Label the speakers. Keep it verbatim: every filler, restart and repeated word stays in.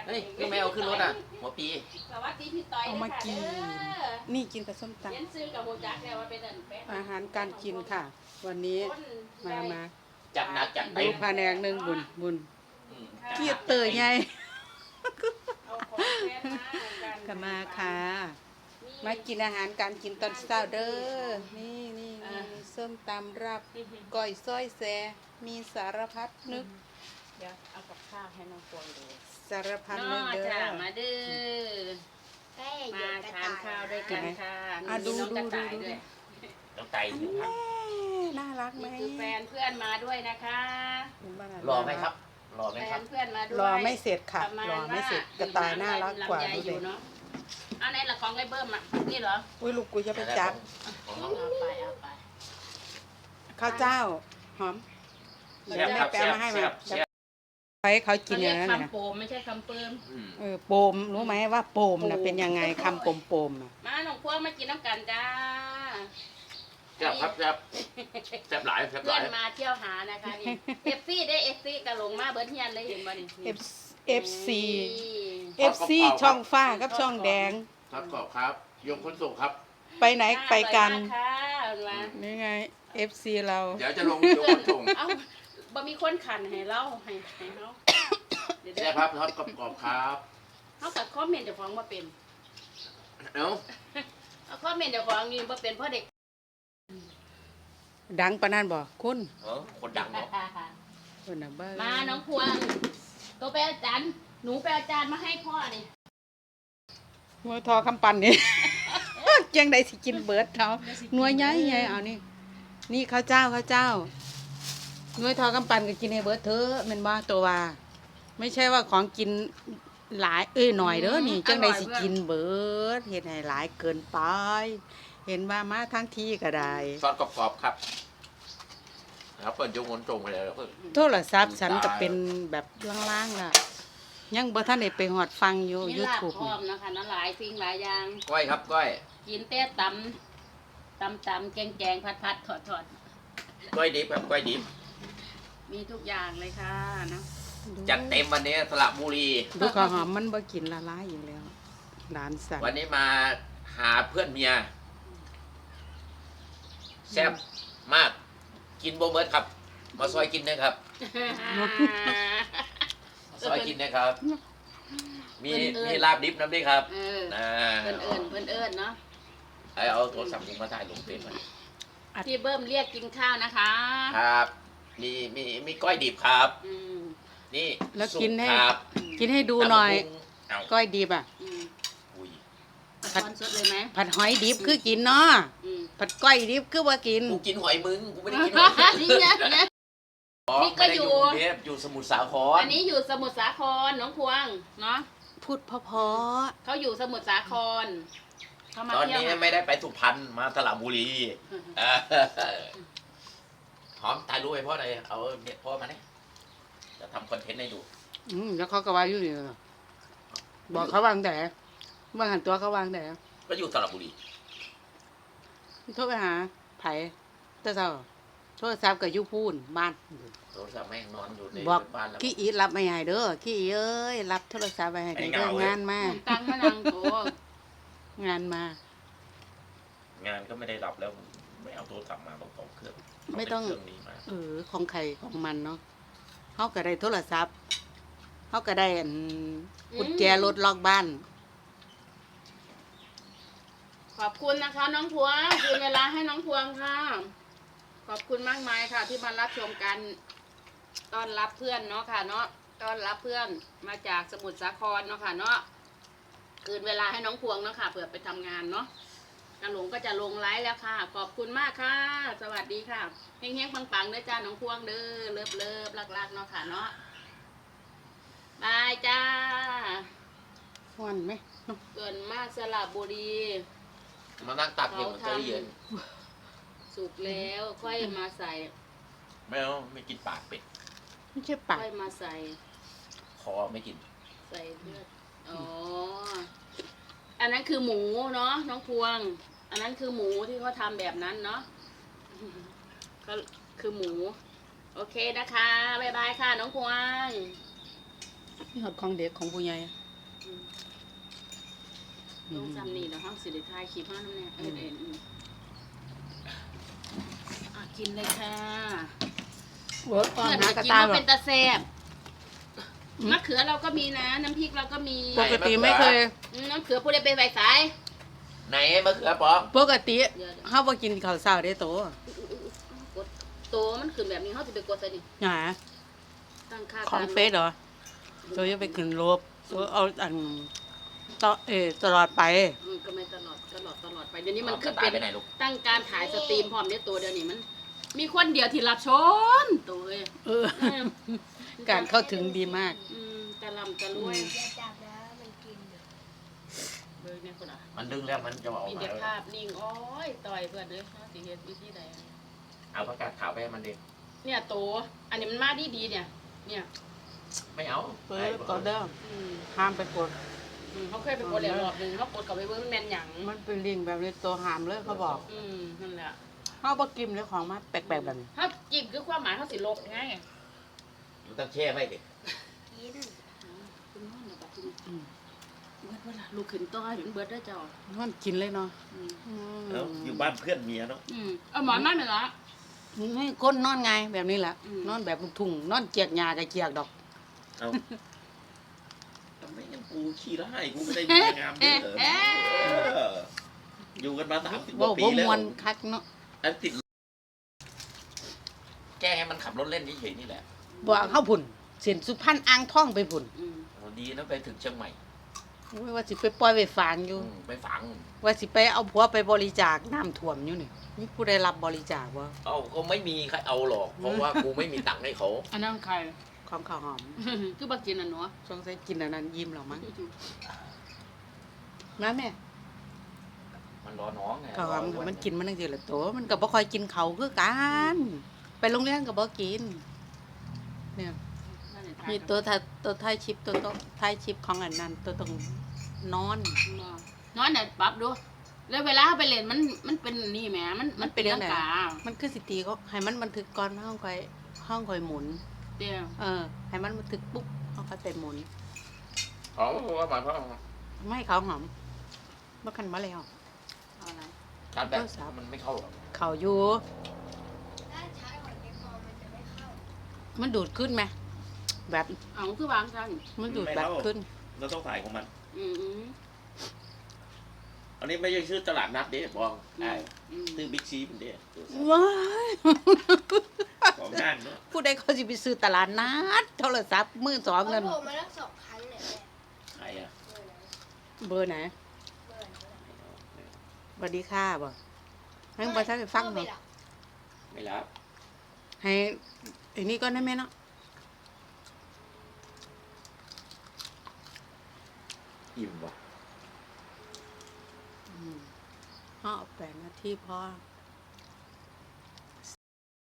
Speaker 1: เฮ้ยคือแมวขึ้นรถอ่ะหัวปี
Speaker 2: สวัสดีพี่ต้อย
Speaker 3: เอามากินนี่กินกับส้มต
Speaker 2: เรียนซื้อกับโมจักแล้วว่าเป็นอันแป๊ะ
Speaker 3: ำอาหารการกินค่ะ วันนี้มามา
Speaker 1: จัดหนักจัดเต็
Speaker 3: ดู
Speaker 1: ม
Speaker 3: แผนกหนึ่งบุญบุญ
Speaker 1: อืม
Speaker 3: เกียรติเตยไง
Speaker 2: เอาของแฟนมากัน
Speaker 3: ก็มาค่ะ มากินอาหารการกินตอนเช้าเด้อนี่นี่นี่ส้มตำรับก้อยซ้อยแซมีสารพัดนึก
Speaker 2: เดี๋ยวเอากับข้าวให้น้องปวยดู
Speaker 3: สารพัด
Speaker 2: น้
Speaker 3: นึ
Speaker 2: อก
Speaker 3: เด้
Speaker 2: จ้า
Speaker 3: อ
Speaker 2: มาเด้อมาทานข้าวด้วยกันค่ะ
Speaker 3: อ่ะดู
Speaker 2: มีน้องกระต่าย
Speaker 3: ดูดู
Speaker 2: ด้วย
Speaker 1: ต้องไตถึงพัน
Speaker 3: น่ารักไหม
Speaker 2: นี่คือแฟนเพื่อนมาด้วยนะคะ
Speaker 1: รอไหมครับรอไหม
Speaker 2: แฟ
Speaker 1: ครับ
Speaker 2: นเพื่อนมาด้วย
Speaker 3: รอไม่เสร็จค่ะ
Speaker 2: ประมาณ
Speaker 3: รอไม่เสร็จ
Speaker 2: ว่
Speaker 3: กระต่ายน่ารักกว่า
Speaker 2: ลำไย
Speaker 3: ดู
Speaker 2: อ
Speaker 3: เด็
Speaker 2: ยู่เนาะเอาไหนละของไรเบิ้มอ่ะนี่เหรอ
Speaker 3: อุ้ยลูกกูจะไปจับ
Speaker 1: ของน้อง
Speaker 2: เอาไปเอาไป
Speaker 3: ข้าวเจ้าหอม
Speaker 1: แซ่
Speaker 3: เดี๋ยว
Speaker 1: บ
Speaker 3: แม่
Speaker 1: ครับ
Speaker 3: แปล
Speaker 1: แซ่บ
Speaker 3: มาให้
Speaker 1: แซ่
Speaker 3: มา
Speaker 1: บแซ่บ
Speaker 3: ไปให้เขากิ
Speaker 2: เขา
Speaker 3: นอ
Speaker 2: เรีย
Speaker 3: ย่าก งนั้นนะ
Speaker 2: คำโปมไม่ใช่คำเปิม
Speaker 1: อืม
Speaker 3: เออโปมรู้ไหมว่าโปมนะเป็นยังไงคำโปมโปมๆน่ะ
Speaker 2: มาหนองพวงมากินน้ำกันจ้า
Speaker 1: แซ่บครับแซ่บแซ่บหลายแซ่บห
Speaker 2: เพื่อ
Speaker 1: ลาน ย
Speaker 2: มาเที่ยวหานะคะนี่เอฟซีได้เอฟซีกระหลงมาเบิร์ดเฮียนเลยเห็นบ่นี่
Speaker 3: เอฟเอฟซีเอฟซีช่องฟ้ากับช่องแดง
Speaker 1: ทอดกรอบครับยงขนส่งครับ
Speaker 3: ไปไหนไปกัน
Speaker 2: อร่อยมากค่ะมา
Speaker 3: นี่ไงเอฟซีเรา
Speaker 1: เดี๋ยวจะลงยงขนส่ง
Speaker 2: เอ้าบ่มีคนขันให้เราให้ให้เฮาเดี๋ยว
Speaker 1: แซ่บครับทอดกรอบครับ
Speaker 2: เฮากับคอมเมนต์เจ้าของบ่เป็น
Speaker 1: เอ้า
Speaker 2: เอาคอมเมนต์เจ้าของนี่บ่เป็นเพราะเด็ก
Speaker 3: ดังปะนั่นบ่คุณ
Speaker 1: เออคนดังเนาะ
Speaker 3: คนน่ะเบ้อ
Speaker 2: มาน้องพวงตัวไปอาจารย์หนูไปอาจารย์มาให้พ่อนี่
Speaker 3: หัวทอคำปันนี่ จังใดสิกินเบิดเขาหน่วยใหญ่ใหญ่เอานี่นี่ข้าวเจ้าข้าวเจ้าหน่วยทอคำปันก็กินให้เบิดเถอะแม่นบ่ตัวว่า ไม่ใช่ว่าของกินหลายเอ้ยหน่อยเด้อนี่จังใดสิกินเบิดเฮ็ดให้หลายเกินไป เห็นว่ามาทั้งที่ก็ได้
Speaker 1: ทอดกรอบๆครับครับเปิดยงขนส่งไปเลยเพิ่น
Speaker 3: โทรศัพท์ฉันก็เป็นแบบล่างๆล่ะ ยังบ่ทันได้ไปฮอดฟังอยู่
Speaker 2: มีลาบ
Speaker 3: YouTube
Speaker 2: พร้อมนะคะนั่นหลายสิ่งหลายอย่าง
Speaker 1: ก้อยครับก้อย
Speaker 2: กินแต่ตำตำตำแกงแกงผัดผัดถอดถอด
Speaker 1: ก้อยดิบครับก้อยดิบ
Speaker 2: มีทุกอย่างเลยค่ะนะ
Speaker 1: จัดเต็มวันนี้สระบุรี
Speaker 3: ดูข้าวหอมมันบ่กินละลายอยู่แล้วหลานสั่น
Speaker 1: วันนี้มาหาเพื่อนเมียแซ่บมากกินโบเบิร์ตครับ มาซอยกินนะครับมาซอยกินนะครับ มีมีลาบดิบน้ำด้วยครับ
Speaker 2: เออ
Speaker 1: นะ
Speaker 2: เพิ่นเอิญเพิ่นเอิญเนาะ
Speaker 1: ไอเอาโทรศัพท์ผมมาถ่ายลงเฟซมา
Speaker 2: พี่เบิ้มเรียกกินข้าวนะคะ
Speaker 1: ครับ มีมีมีก้อยดิบครับ
Speaker 2: อืม
Speaker 1: นี่
Speaker 3: แล้ว
Speaker 1: สุ
Speaker 3: กินให้
Speaker 1: ครับ
Speaker 3: กินให้ดูหน่อย
Speaker 1: เอา
Speaker 3: ก้อยดิบอ่ะ
Speaker 2: อืม
Speaker 1: อุ้ย
Speaker 2: เอาช้อนสดเลยไหม
Speaker 3: ผัดหอยดิบคือกินเนาะ
Speaker 2: อืม
Speaker 3: ผัดก้อยดิบคือว่ากิน
Speaker 1: กูกินหอยมึงกูไม่ได้กินหอย
Speaker 2: นี่นะนะ นี่ก็
Speaker 1: ไม่ได้
Speaker 2: อยู่
Speaker 1: อยู่กรุงเทพอยู่สมุทรสาคร
Speaker 2: อันนี้อยู่สมุทรสาครน้องพวงเนาะ
Speaker 3: พูดเพอ
Speaker 2: เขาอยู่สมุทรสาครเขามา
Speaker 1: ตอน
Speaker 2: เที่ยว
Speaker 1: นี้
Speaker 2: หา
Speaker 1: ไม่ได้ไปสุพรรณมาสระบุรีเออหอมถ่ายรูปให้พ่อหน่อยเอาเนี่ยพ่อมาเนี่ยจะทำคอนเทนต์ให้ดู
Speaker 3: ๆอืมแล้วเขาก็ว่าอยู่นี่บอกเขาวางแต่วางหันตัวเขาวางแต่
Speaker 1: ก็อยู่สระบุรี
Speaker 3: โทรไปหาไผเตอเช้าโทรศัพท์ก็อยู่พูนบ้าน
Speaker 1: โทรศัพท์แม่งนอนอยู่ใน
Speaker 3: บอก
Speaker 1: บ้านแล้ว
Speaker 3: ขี้อีรับไม่ให้เด้อขี้อีเอ้ยรับโทรศัพท์ไปให้
Speaker 1: ให้
Speaker 3: เด้อ
Speaker 1: เหงาเลย
Speaker 3: งานมา
Speaker 2: ตังมะนังโต
Speaker 3: งานมา
Speaker 1: งานก็ไม่ได้รับแล้วไม่เอาโทรศัพท์มาต้องสองเครื่อง
Speaker 3: ไม่ต้อง
Speaker 1: เาเป็นเครื่องนี้มา
Speaker 3: เออของใครของมันเนาะเขาก็ได้โทรศัพท์เขาก็ได้อันกุญแจรถล็อกบ้าน
Speaker 2: ขอบคุณนะคะ น้องพวงคืนเวลาให้น้องพวงค่ะ ขอบคุณมากมายค่ะ ที่มารับชมกันต้อนรับเพื่อนเนาะค่ะ เนาะต้อนรับเพื่อนมาจากสมุทรสาครเนาะค่ะ เนาะคืนเวลาให้น้องพวงเนาะค่ะเผื่อไปทำงานเนาะกระหลงก็จะลงไลฟ์แล้วค่ะ ขอบคุณมากค่ะ สวัสดีค่ะเฮงๆปังๆเด้อจ้าน้องพวงเด้อเลิฟเลิฟรักๆเนาะค่ะเนาะบายจ้า
Speaker 3: ม่วนไหมเนาะ
Speaker 2: เกินมากสระบุรี
Speaker 1: มานั่งตักเย็นมันจะเย็น
Speaker 2: สุกแล้วค่อยมาใส่
Speaker 1: ไม่เอาไม่กินปากเป็ด
Speaker 3: ไม่ใช่ปาก
Speaker 2: ค่อยมาใส่
Speaker 1: คอไม่กิน
Speaker 2: ใส่เลือดอ๋ออันนั้นคือหมูเนาะน้องพวง อันนั้นคือหมูที่เขาทำแบบนั้นเนาะก็คือหมู โอเคนะคะบ๊ายบายค่ะน้องพวง
Speaker 3: นี่หอดของเด็กของผู้ใหญ่
Speaker 2: อืมลงซ้ำนี่แล้วห้องสิริทายขีบห้าน้ำเนี่ยเอ็นเอ็นอืมอ่ะกินเลยค่ะ
Speaker 3: เวิร์กก่อน
Speaker 2: เพื่อน
Speaker 3: นะ
Speaker 2: จะ
Speaker 3: กระ
Speaker 2: กิน
Speaker 3: ตาย
Speaker 2: ว่า
Speaker 3: แบ
Speaker 2: เป็
Speaker 3: บ
Speaker 2: นตาแซ่บมะเขือเราก็มีนะ น้ำพริกเราก็มี
Speaker 3: ปกติไม่เคย
Speaker 2: อืมน้ำเขือผู้ใดไปใบสาย
Speaker 1: ไหนมะเขือปอง
Speaker 3: ปกติ
Speaker 2: เดี๋ยวเดี๋ยว
Speaker 3: เฮาบ่กินข้าวเช้าได้โต
Speaker 2: กดโตมันขึ้นแบบนี้เขาจะไปกดใส่นี่
Speaker 3: หา
Speaker 2: ตั้งค่า
Speaker 3: ของ
Speaker 2: การ
Speaker 3: เฟซเหรอโตจะไปขึ้นรบโตเอาอันต่อเออตลอดไป
Speaker 2: อืมก็ไม่ตลอดตลอดตลอดไปเดี๋ยวนี้มัน
Speaker 1: ก
Speaker 2: ขึ้
Speaker 1: ระ
Speaker 2: น
Speaker 1: ต่ายไป
Speaker 2: เป็น
Speaker 1: ไหนลูก
Speaker 2: ตั้งการถ่ายสตรีมพร้อมเนี่ยตัวเดียวนี้มัน มีคนเดียวที่รับชนตัวเอ้ย
Speaker 3: เออ การเข้าถึงดีมาก
Speaker 2: อืมตะลำตะรวย
Speaker 4: อย่าจับนะมันกินอยู่
Speaker 2: เบอร์เนี่ยคนอ่ะ
Speaker 1: มันดึงแล้วมันจะออก
Speaker 2: มี
Speaker 1: มา
Speaker 2: เด็กภาพนิ่งโอ้ยต่อยเพื่อนเลยเขาสิเฮ็ดวิธีใด
Speaker 1: เอาผักกาดขาวไปให้มันดิ
Speaker 2: เนี่ยโตอันนี้มันมาดีดีๆเนี่ย เนี่ย
Speaker 1: ไม่เอา
Speaker 3: เปิดก่อนเด้อ
Speaker 2: อืม
Speaker 3: ห้ามไปกด
Speaker 2: อืมเขาเคยไปกดแล้วรอบหนึงเขากดกลับไปเบิ่งมันแม่นหยัง
Speaker 3: มันเป็นลิงก์แบบนี้ตัวห้ามเลยเขาบอก
Speaker 2: อืมนั่นแหละ
Speaker 3: เฮาบ่กินเลยของมาแปลกๆแบบนี้
Speaker 2: ถ้าจิบคือความหมายเขาสิลบไง
Speaker 1: มันต้องแช่ไว้ดิ
Speaker 4: กิน
Speaker 2: คุณนอนนะบัดนี้
Speaker 3: อืม
Speaker 2: เบิดเวลาลูกขึ้นต่อให้มันเบิดได้อเจ้า
Speaker 3: มันกินเลยเนาะ
Speaker 2: อืม
Speaker 3: อืม
Speaker 1: แล้วอยู่บ้านเพื่อนเมียเนาะ
Speaker 2: อืมเอาหมอนมาไหมล่ะ
Speaker 3: นี่ก้นนอนไงแบบนี้แหละ
Speaker 2: อืม
Speaker 3: นอนแบบลูกทุ่งนอนเจียกหญ้ากับเจียกดอก
Speaker 1: เอาทำไมงั้นกูขี้ร้ายกูไม่ได้มีงามเด้อเอออยู่กันมาสามสิบก
Speaker 3: บ่
Speaker 1: ว่าปี
Speaker 3: บ่
Speaker 1: แล้
Speaker 3: ม
Speaker 1: ว
Speaker 3: วนคักเนาะ
Speaker 1: อันติดแก้ให้มันขับรถเล่นเฉยๆนี่แหละ
Speaker 3: บ่เอาเข้าพุ่นเสียนสุพรรณอ่างทองไปพุ่น
Speaker 2: อืม
Speaker 1: โอ้ดีนะไปถึงเชียงใหม่
Speaker 3: โอ้ยว่าสิไปปล่อยไปฝางอยู่
Speaker 1: อืมไปฝัง
Speaker 3: ว่าสิไปเอาผัวไปบริจาคน้ำท่วมอยู่นี่มีผู้ใดรับบริจาคบ่
Speaker 1: เอาก็ไม่มีใครเอาหรอก เพราะว่ากูไม่มีตังค์ให้เขา
Speaker 2: อันนั้นใคร
Speaker 3: ของข้าวหอม
Speaker 2: คือบักกินอันเนาะ
Speaker 3: สงสัยกินอันนั้นยิ้มแล้วมั้งนะแม่
Speaker 1: มันรอน้องไง
Speaker 3: ข้าวหอม
Speaker 1: รอ
Speaker 3: มันกินมันจังซี่ล่ะโตมันก็บ่ค่อยกินเขาวคือกันไปโรงเรียนก็บ่กินเนี่ย
Speaker 2: นั่นแหละ
Speaker 3: มีตัวถ่ายตัวท้ายชิปตัวต้องท้ายชิปของอันนั้นตัวต้องนอน
Speaker 2: นอนเนี่ยปรับดูแล้วเวลาเขาไปเล่นมันมันเป็นนี่แหมมันมันเป็น
Speaker 3: มันเป็นเรื่
Speaker 2: เรื่
Speaker 3: อ
Speaker 2: อง ง
Speaker 3: ไหน
Speaker 2: กา
Speaker 3: มันคือสิตีก็ให้มันบันทึกก่อนห้องคอยห้องคอยหมุน
Speaker 2: เดียว
Speaker 3: เออ ให้มันบันทึกปุ๊บห้องคอยไปหมุน
Speaker 1: อ๋อว่าหมายความ
Speaker 3: ไม่ให้เขาหอมเมื่อคันมาแล้ว
Speaker 2: เอาอะไร
Speaker 1: การแบบมันไม่เข้าหรอก
Speaker 3: เขาอยู่
Speaker 4: ถ้าใช้หอยแครงมันจะไม่เข้า
Speaker 3: มันดูดขึ้นไหมแบบ
Speaker 2: เอาคือวางกัน
Speaker 3: มันดูดแบบขึ้น
Speaker 1: เราต้องถ่ายของมัน
Speaker 2: อืมอืม
Speaker 1: อันนี้ไม่ใช่ชื่อตลาดนัดเด้บอกไอ้
Speaker 2: อืม
Speaker 1: ชื่อบิ๊กซีมันเด้
Speaker 3: ว้าย
Speaker 1: ของงานเนาะ
Speaker 3: ผู้ใดเขาสิไปซื้อตลาดนัดโทรศัพท์มือสอง
Speaker 4: เขา
Speaker 3: นั่น
Speaker 4: โผล่มาแล้วสองครั้งเนี่ยแม่
Speaker 1: ใครอ่ะ
Speaker 4: เบอร์ไหน
Speaker 3: เบอร์ไหน
Speaker 4: เบอร์ไหน
Speaker 3: สวัสดีค่ะบ่ให้บ่ทันได้ฟัง
Speaker 4: พ่อ
Speaker 3: บ่
Speaker 4: ไม่หลับ
Speaker 1: ไม่รับ
Speaker 3: ให้ไอ้นี่ก็ได้แม่เนาะ
Speaker 1: อิ่มบ่
Speaker 3: อืมอ้อแปดนาทีพอ
Speaker 1: อ